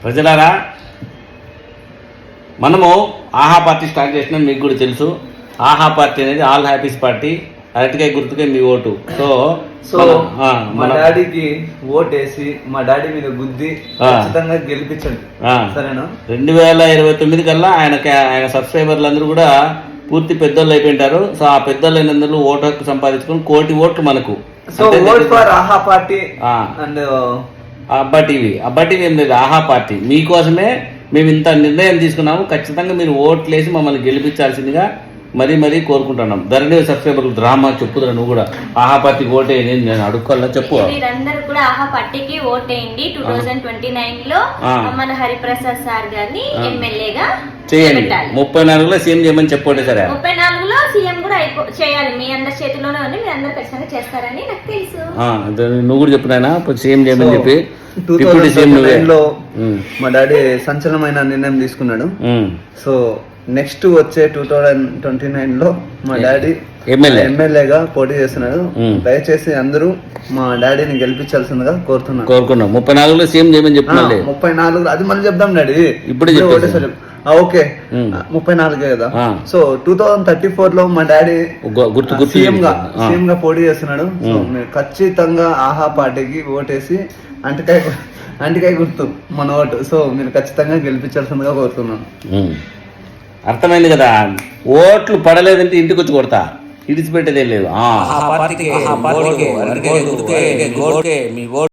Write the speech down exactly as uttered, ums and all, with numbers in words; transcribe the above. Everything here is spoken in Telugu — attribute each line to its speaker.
Speaker 1: ప్రజలారా, మనము ఆహా పార్టీ స్టార్ట్ చేసినాం, మీకు కూడా తెలుసు. ఆహా పార్టీ అనేది ఆల్ హ్యాపీస్ పార్టీ. అరటికాయ గుర్తుకే మీ ఓటు. సో
Speaker 2: సో మా డాడీకి ఓట్ వేసి మా డాడీ మీద గుద్ది ఖచ్చితంగా గెలిపించండి, సరేనా?
Speaker 1: రెండు వేల ఇరవై తొమ్మిది కల్లా ఆయన ఆయన సబ్స్క్రైబర్లు అందరూ కూడా పూర్తి పెద్దోళ్ళు అయిపోయింటారు. సో ఆ పెద్దోళ్ళు అయినందుకు ఓటు హక్కు సంపాదించుకుని కోటి ఓట్లు మనకు.
Speaker 2: సో ఓట్ ఫర్ ఆహా పార్టీ అండ్
Speaker 1: అబ్బా టీవీ. అబ్బా టీవీ ఏం లేదు, ఆహా పార్టీ. మీకోసమే మేము ఇంత నిర్ణయం తీసుకున్నాము. ఖచ్చితంగా మీరు ఓట్లేసి మమ్మల్ని గెలిపించాల్సిందిగా మరీ మరీ కోరుకుంటున్నాం. ధరణి సబ్స్క్రైబర్లు డ్రామా చెప్పుదురా, నువ్వు కూడా ఆహా పార్టీకి ఓటేయండి నేను అడుక్కోవాలా చెప్పు.
Speaker 3: మీరందరూ కూడా ఆహా పార్టీకి ఓటేయండి. టూ థౌజండ్ ట్వంటీ నైన్ లో మన హరిప్రసాద్ సార్ గారిని ఎమ్మెల్యేగా
Speaker 1: చేయండి. ముప్పై నాలుగులో సీఎం చేయమని చెప్పండి. సరే,
Speaker 3: ముప్పై నాలుగులో సీఎం కూడా చేయాలి. మీ అందరి చేతిలోనే ఉంది, మీరు అందరు ఖచ్చితంగా చేస్తారని నాకు తెలుసు.
Speaker 1: నువ్వు కూడా చెప్పు నాయన, సీఎం చేయమని చెప్పి.
Speaker 2: టూ థౌజండ్ నైన్ లో మా డాడీ సంచలనమైన నిర్ణయం తీసుకున్నాడు. సో నెక్స్ట్ వచ్చే టూ థౌజండ్ ట్వంటీ నైన్ లో మా డాడీ ఎమ్మెల్యేగా పోటీ చేస్తున్నాడు. దయచేసి అందరూ మా డాడీని గెలిపించాల్సిందిగా కోరుతున్నాను
Speaker 1: కోరుకున్నాం. ముప్పై నాలుగులో సీఎం చేయమని చెప్తున్నాడు.
Speaker 2: ముప్పై నాలుగు అది మళ్ళీ చెప్దాం డాడీ,
Speaker 1: ఇప్పుడు
Speaker 2: ఓకే. ముప్పై నాలుగే కదా. So two thousand thirty four లో మా డాడీ సీఎం గా సీఎం గా పోటీ చేస్తున్నాడు. సో మీరు ఖచ్చితంగా ఆహా పార్టీకి ఓటేసి అంటికాయ అంటికాయ గుర్తు మన ఓటు. సో మీరు ఖచ్చితంగా గెలిపించాల్సిందిగా కోరుతున్నాను.
Speaker 1: అర్థమైంది కదా. ఓట్లు పడలేదంటే ఇంటికి వచ్చి కొడతా, ఇడిచిపెట్టేదే లేదు.